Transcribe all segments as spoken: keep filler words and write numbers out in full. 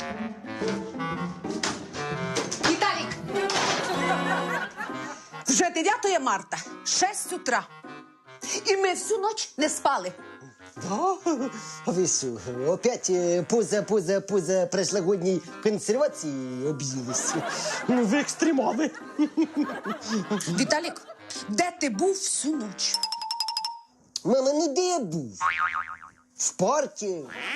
Віталік! Вже дев'яте марта, шість утра. І ми всю ніч не спали. Да? А ви що, опять е, поза, поза, поза прошлогодній консервації об'їлись? Ну, ви екстремали. Віталік, де ти був всю ніч? Мама, ну де я був? В парку.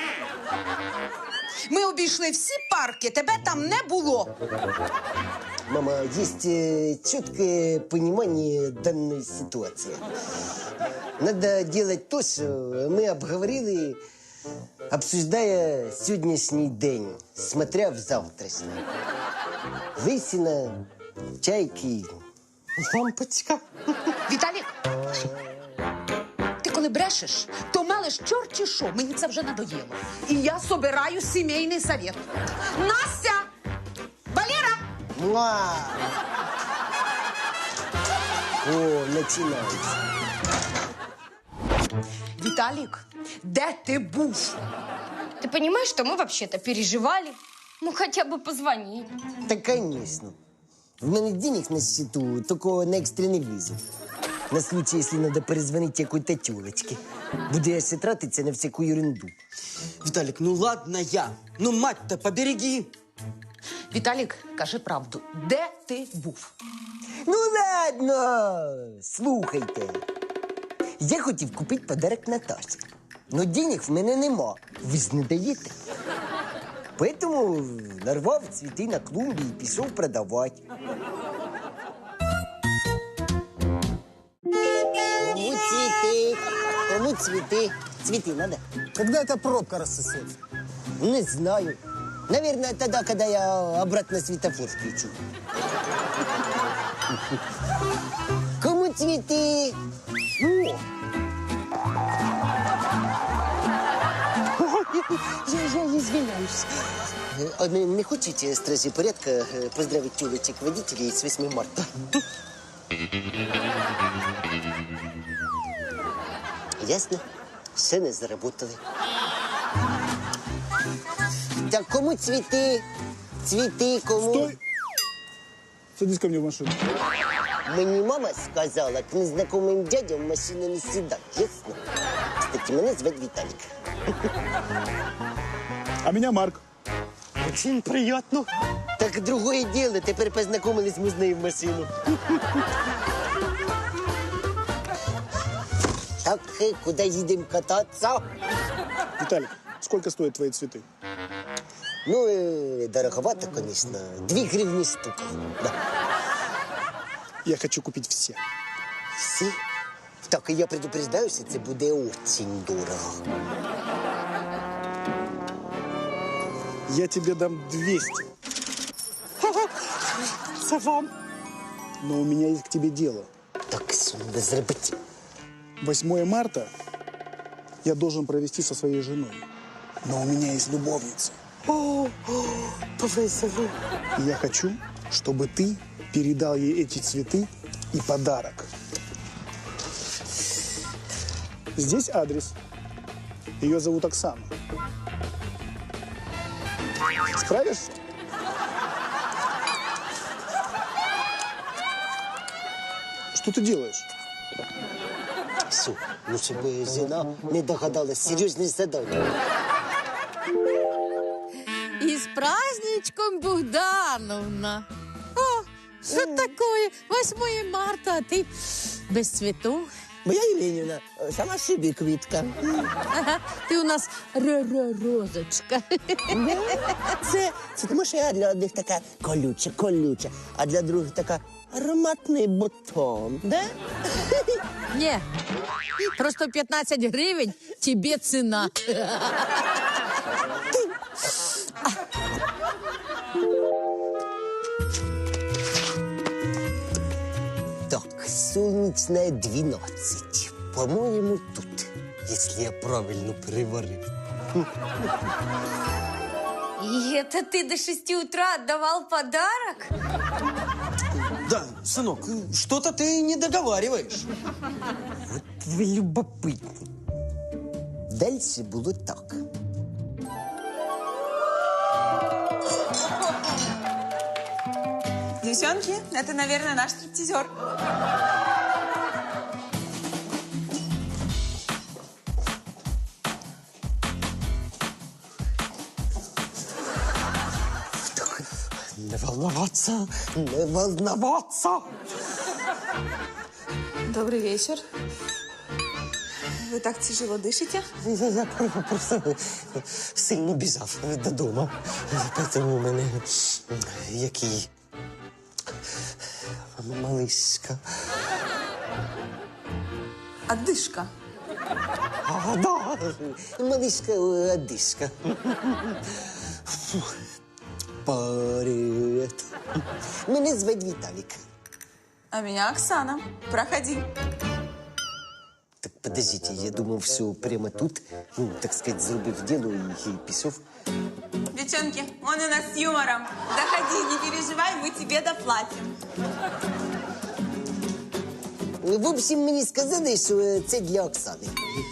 Ми обійшли всі парки, тебе там не було. Мама, есть э, четкое понимание данной ситуации. Надо делать то, что мы обговорили, обсуждая сегодняшний день, смотря в завтрашний. Лысина, чайки, лампочка. Віталік, ти коли брешеш, то мелеш чорті що, мені це вже надоїло. І я собираю сімейний совет. Настя! Валера! Муа! О, начинается. Віталік, де ти був? Ты понимаешь, что мы вообще-то переживали? Ну, хотя бы позвонить. Да, конечно. В мене денег на счету, только на экстренный вызов. На случай, если надо перезвонить какой-то тёлочке. Буду я ще тратиться на всякую ерунду. Виталик, ну ладно я. Ну, мать-то, побереги. Віталік, кажи правду, де ти був? Ну ладно, слухайте. Я хотів купити подарок Наташі. Но денег в мене нема. Ви ж не даєте. Поэтому нарвав цвіти на клумбі і пішов продавати. Кому цвіти? Кому цвіти? Цвіти надо? Когда эта пробка рассосется? Не знаю. Наверное, тогда, когда я обратно светофор включу. Кому цветы? О! Я, я извиняюсь. А не, не хотите, стражи порядка, поздравить тёлочек-водителей с восьмым марта? Ясно? Ще не заработали. Так кому цветы? Цветы кому? Стой! Садись ко мне в машину. Мені мама сказала, к незнакомым дядям в машину не сідай, ясно? Кстати, мене звати Віталік. А меня Марк. Очень приятно. Так другое дело, тепер познайомились можна і в машину. Так, э, куди їдемо кататися? Виталик, сколько стоят твои цветы? Ну, э, дороговато, конечно. Дві гривні штука. Да. Я хочу купить все. Всі? Так, і я предупреждаю, що це буде очень дорого. Я тебе дам двести. Це вам. Но у меня есть к тебе дело. Так, що треба зробити? восьмое марта я должен провести со своей женой. Но у меня есть любовница. О, о, повезло. И я хочу, чтобы ты передал ей эти цветы и подарок. Здесь адрес. Ее зовут Оксана. Справишься? Что ты делаешь? Все, ну щоб жена не догадалась, серйозне задання. И с праздничком, Богдановна. О, что такое? восьмое марта, а ты без цветов. Моя Євгенівна, сама собі квітка. Ага, ты у нас ро-ро-розочка. Це, це тому, що я для одних така колюча, колюча, а для других така ароматний бутон. Да? Не, просто пятнадцать гривен тебе цена. Так, сонячная двенадцать. По-моему, тут, если я правильно переварил. И это ты до шести утра отдавал подарок? Да, сынок, что-то ты не договариваешь. Вот ви любопитні. Дальше було так. Девчонки, это, наверное, наш стриптизер. Не волноваться, не волноваться. Добрый вечер. Вы так тяжело дышите? Я, я просто сильно біжав додому. Тому у мене який малишка. Отдышка. А, да, малишка, одишка. Привет. Мене звать Віталік. А меня Оксана. Проходи. Так подождите, я думав, все прямо тут, ну, так сказать, зробив діло і, і пішов. Девчонки, он у нас с юмором. Заходи, не переживай, мы тебе доплатим. В общем, мені сказали, що це для Оксани.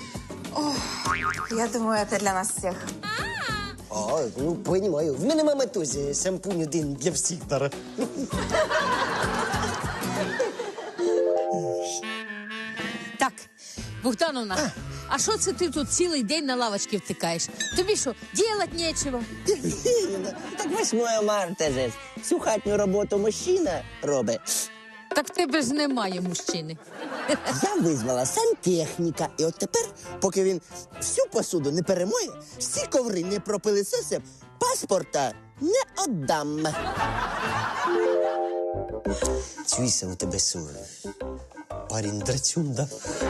Я думаю, это для нас всех. А, ну, понимаю. В мене мама теж шампунь один для всіх дара. Так, Богдановна, а що це ти тут цілий день на лавочці втикаєш? Тобі що, ділать нечого? Так восьмое марта же. Всю хатню роботу мужчина робить. Так в тебе ж немає мужчини. Я визвала сантехніка. І от тепер, поки він всю посуду не перемоє, всі коври не пропилисосив, паспорта не отдам. Чуєшся, у тебе що, парень драчун, да?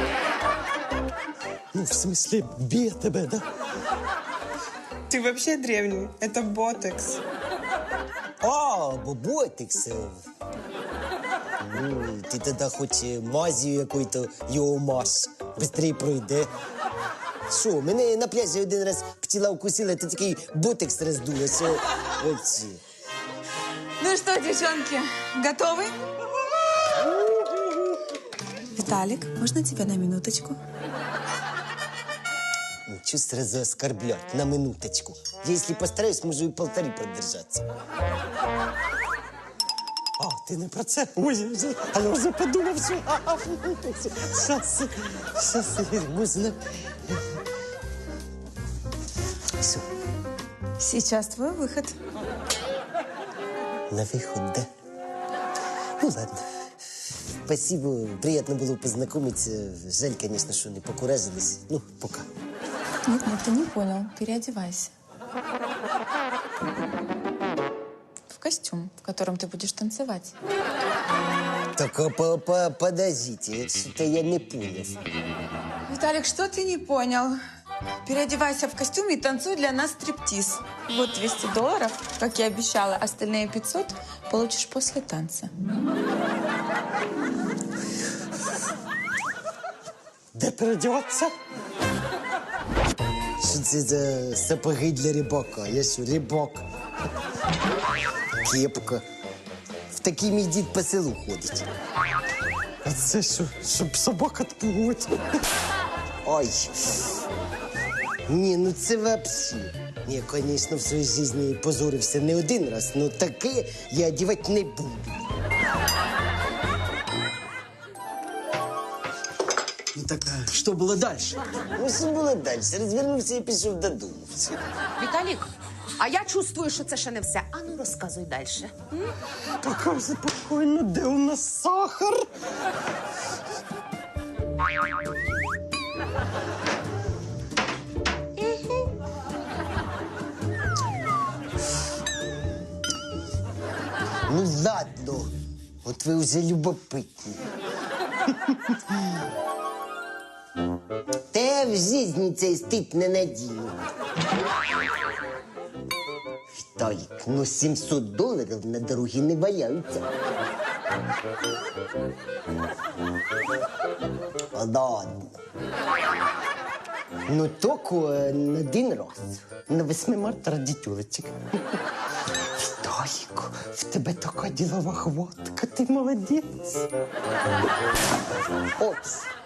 Ну, в смысле, б'є тебе, да? Ты вообще древний. Это ботекс. А, бо ботекс. Ну, ти тоді хоч мазію якою-то його мазь. Быстрее пройде. Що, мене на пляжі один раз пчела укусила, то такий ботекс роздуло, що... Оці. Ну что, девчонки, готовы? Виталик, можно тебя на минуточку? Ну, чё сразу оскорблять? На минуточку. Я, если постараюсь, можу и полторы продержаться. А, ти не про це? Ой, я вже, а я вже подумав, що... Щас, щас, можна... Все, Сейчас твой выход. на виход, да? Ну, ладно. Спасибо, приятно было познакомиться. Жаль, конечно, что не покуражились. Ну, пока. Нет, нет, ты не понял. Переодевайся. В костюм, в котором ты будешь танцевать. Так, а по -по подождите, что-то я не понял. Виталик, что ты не понял? Переодевайся в костюм и танцуй для нас стриптиз. Вот двести долларов, как я обещала. Остальные пятьсот получишь после танца. Де переодіватися? Що це за сапоги для рибака? Я що, рибак? Кепка. В такий мій дід по селу ходить. А це що, щоб собак відпугувати? Ой. Ні, ну це вообще. Я, звісно, в своїй житті позорився не один раз, але таке я одягати не буду. Ну так, а что было дальше? Ну, що було далі? Розвернувся і пішов додому. Все. Віталік, а я чувствую, що це ще не все. А ну розказуй далі. Така спокійно, де у нас сахар? Ну ладно, от ви вже любопитні. Те в житті цей стид не надіну. Віталік, ну сімсот доларів на дорогі не валяються. А ладно. Ну, тільки на один раз. На восьмое марта ради тюлечек. Віталік, в тебе така ділова хватка, ти молодець. Опс.